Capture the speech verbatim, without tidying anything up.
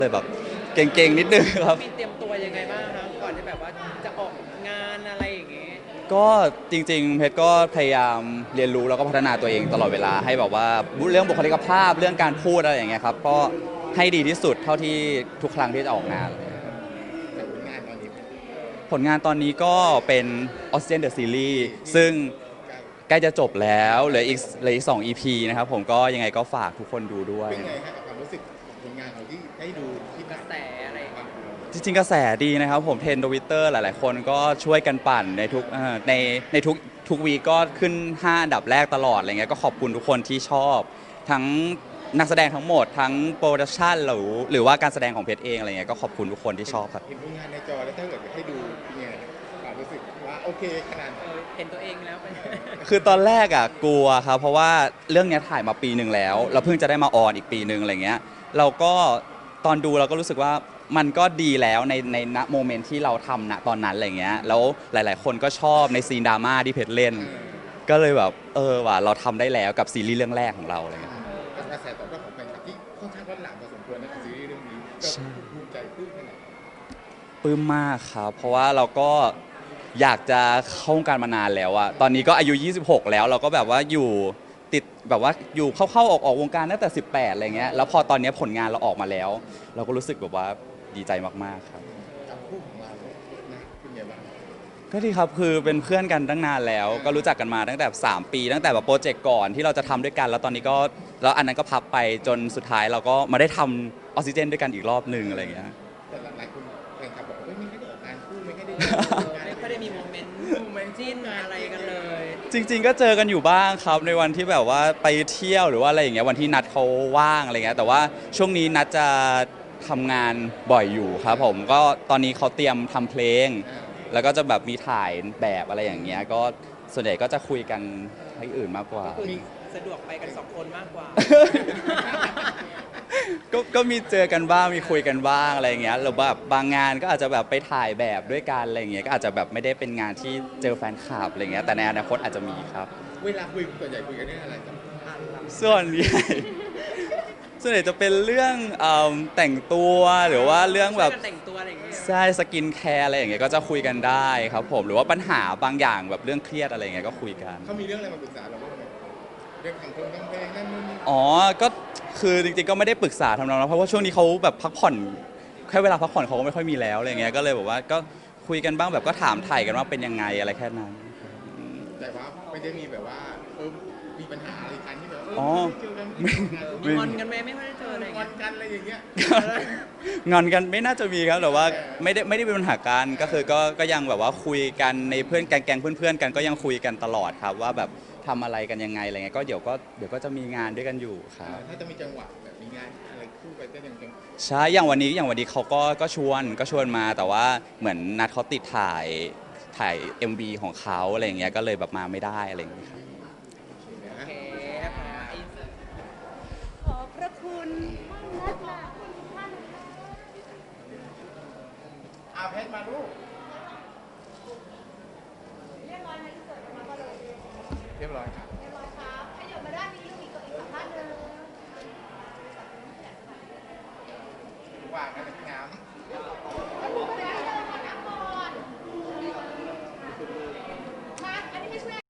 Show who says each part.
Speaker 1: เลยแบบเก่งๆนิดนึงครับ
Speaker 2: มีเตรียมตัวยังไงบ้างครับก่อนที่แบบว่าจะออกงานอะไรอย่างเงี้ย
Speaker 1: ก็จริงๆเพชรก็พยายามเรียนรู้แล้วก็พัฒนาตัวเองตลอดเวลาให้แบบว่าเรื่องบุคลิกภาพเรื่องการพูดอะไรอย่างเงี้ยครับก็ให้ดีที่สุดเท่าที่ทุกครั้งที่จะออกงานเลยครับ
Speaker 3: จากผลงานตอนนี้
Speaker 1: ผลงานตอนนี้ก็เป็น Oxygen the Series ซึ่งใกล้จะจบแล้วเหลืออีกเหลืออีกสอง อี พี นะครับผมก็ยังไงก็ฝากทุกคนดูด้วย
Speaker 3: เป็นไงฮะกับความรู้สึกของผลงานของที่ได้ดูที่
Speaker 2: กระแสอะไรอย่างเงี้ย
Speaker 1: จริงๆกระแสดีนะครับผมเทรนด์ทวิตเตอร์หลายๆคนก็ช่วยกันปั่นในทุกเอ่อในในทุกทุกวีก็ขึ้นห้าอันดับแรกตลอดอะไรเงี้ยก็ขอบคุณทุกคนที่ชอบ ทั้งนักแสดงทั้งหมดทั้งโปรดักชันหรือหรือว่าการแสดงของเพชรเองอะไรเงี้ยก็ขอบคุณทุกคนที่ชอบครับ
Speaker 3: เห็นผลงานในจอแล้วถ้าเกิดให้ดูเป็นไงความรู้สึกว่าโอเคขนาด
Speaker 2: เออเห็นตัวเองแล้วเป็น
Speaker 1: คือตอนแรกอ่ะกลัวครับเพราะว่าเรื่องเนี้ยถ่ายมาปีหนึ่งแล้วเราเพิ่งจะได้มาออนอีกปีหนึ่งอะไรเงี้ยเราก็ตอนดูเราก็รู้สึกว่ามันก็ดีแล้วในในณโมเมนต์ที่เราทำณตอนนั้นอะไรเงี้ยแล้วหลาย ๆ คนก็ชอบในซีนดราม่าที่เพชรเล่น ก็เลยแบบเออว่ะเราทำได้แล้วกับซีรีส์เรื่องแรกของเราอะไรเงี้ย
Speaker 3: กระแสตอบรับของแฟนคลับที่ค่อนข้างร้อนหลังพอสมควรนะกับซีรีส์เรื่องนี้ก็ภูมิใจปลื้มขนาด
Speaker 1: ปลื้มมากครับ เพราะว่าเราก็อยากจะเข้าวงการมานานแล้วอะตอนนี้ก็อายุ ยี่สิบหก แล้วเราก็แบบว่าอยู่ติดแบบว่าอยู่เข้าๆออกๆวงการตั้งแต่ สิบแปด อะไรเงี้ย แล้วพอตอนนี้ผลงานเราออกมาแล้ว เราก็รู้สึกแบบว่าดีใจมากๆครับ
Speaker 3: กับคู่ของเรานะเป็นไงบ้าง
Speaker 1: ก็ดีครับ คือเป็นเพื่อนกันตั้งนานแล้ว ก็รู้จักกันมาตั้งแต่ สาม ปี ตั้งแต่แบบโปรเจกต์ก่อนที่เราจะทำด้วยกัน แล้วตอนนี้ก็แล้วอันนั้นก็พับไปจนสุดท้ายเราก็มาได้ทำออกซิเจนด้วยกันอีกรอบหนึ่งอะไรเงี้ย
Speaker 3: แต่หลายคนแฟนคลับบอกว่าไม่ได้ออกงานคู่ไม่ได้
Speaker 2: ไม่ค่อยได้มีโมเมนต์โมเมนต์จิ้นอะไรกันเลย
Speaker 1: จริงๆ ก็เจอกันอยู่บ้างครับในวันที่แบบว่าไปเที่ยวหรือว่าอะไรอย่างเงี้ยวันที่นัดเขาว่างอะไรเงี้ยแต่ว่าช่วงนี้นัดจะทำงานบ่อยอยู่ครับผมก็ตอนนี้เขาเตรียมทำเพลง แล้วก็จะแบบมีถ่ายแบบอะไรอย่างเงี้ยก็ส่วนใหญ่ก็จะคุยกันให้อื่นมากกว่า
Speaker 2: ก็คือสะดวกไปกันสองคนมากกว่า
Speaker 1: ก็ก็มีเจอกันบ้างมีคุยกันบ้างอะไรอย่างเงี้ยหรือแบบบางงานก็อาจจะแบบไปถ่ายแบบด้วยกันอะไรอย่างเงี้ยก็อาจจะแบบไม่ได้เป็นงานที่เจอแฟนคลับอะไรเงี้ยแต่ในอนาคตอาจจะมีครับ
Speaker 3: เวลาคุยส่วนใหญ่คุยกันเรื่องอะไรกัน
Speaker 1: ส่วนใหญ่ส่วนใหญ่จะเป็นเรื่องเอิ่มแต่งตัวหรือว่าเรื่องแบบ
Speaker 2: ช่วยกันแต่งตัวอะไรอย่างเงี้ย
Speaker 1: ใช่สกินแคร์อะไรอย่างเงี้ยก็จะคุยกันได้ครับผมหรือว่าปัญหาบางอย่างแบบเรื่องเครียดอะไรอย่างเงี้ยก็คุยกัน
Speaker 3: เขามีเรื่องอะไรมาปรึกษาเราบ้างไหมเรื่องทางเพลงทางเพลงนั่นนู่นนี่
Speaker 1: อ๋อก็คือจริงๆก็ไม่ได้ปรึกษาทำนองนั้นเพราะว่าช่วงนี้เขาแบบพักผ่อนแค่เวลาพักผ่อนเขาก็ไม่ค่อยมีแล้วอะไรเงี้ยก็เลยบอกว่าก็คุยกันบ้างแบบก็ถามถ่ายกันว่าเป็นยังไงอะไรแค่นั้น
Speaker 3: แต่ว่าไม่ได้มีแบบว่าเออมีปัญหาอะไรกันที่แบบ
Speaker 1: อ๋อ
Speaker 3: เจอกัน
Speaker 1: ไม่
Speaker 2: มีงอนกันไหมไม่ค่อยได้เจออะไรอย่าง
Speaker 3: งอ
Speaker 2: เงี้
Speaker 3: น
Speaker 2: ย
Speaker 3: กันอะไรอย่างเงี้ย
Speaker 1: งอนกันไม่น่าจะมีครับแต่ว่าไม่ได้ไม่ได้เป็นปัญหากันก็คือก็ก็ยังแบบว่าคุยกันในเพื่อนแก๊งๆเพื่อนๆกันก็ยังคุยกันตลอดครับว่าแบบทำอะไรกันยังไงอะไรเงี้ยก็เดี๋ยวก็เดี๋ยวก็จะมีงานด้วยกันอยู่ครับ
Speaker 3: ถ้าจะมีจังหวะแบบมีงานอะไรคู่ไปก็ยังยัง
Speaker 1: ใช่อย่างวันนี้อย่างวันนี้เขาก็ก็ชวนก็ชวนมาแต่ว่าเหมือนนัดเขาติดถ่ายถ่าย เอ็ม วี ของเขาอะไรอย่างเงี้ยก็เลยแบบมาไม่ได้อะไรอย่างเงี้ยครับ
Speaker 2: โอเคนะคะอิน
Speaker 4: ขอบพระคุณท่านนักมาทุกท่านค่ะ
Speaker 3: อาเพชรมาลูก
Speaker 4: เรียบร้อยไหมที่เกิดมาก็เลย
Speaker 3: เรียบร้อยครับ
Speaker 4: เรียบร้อยครับให้เดี๋ยวมาด้านนี้ลูกอีกอีกสักท่านหนึ่ง
Speaker 3: ว่างกันเป็นงาม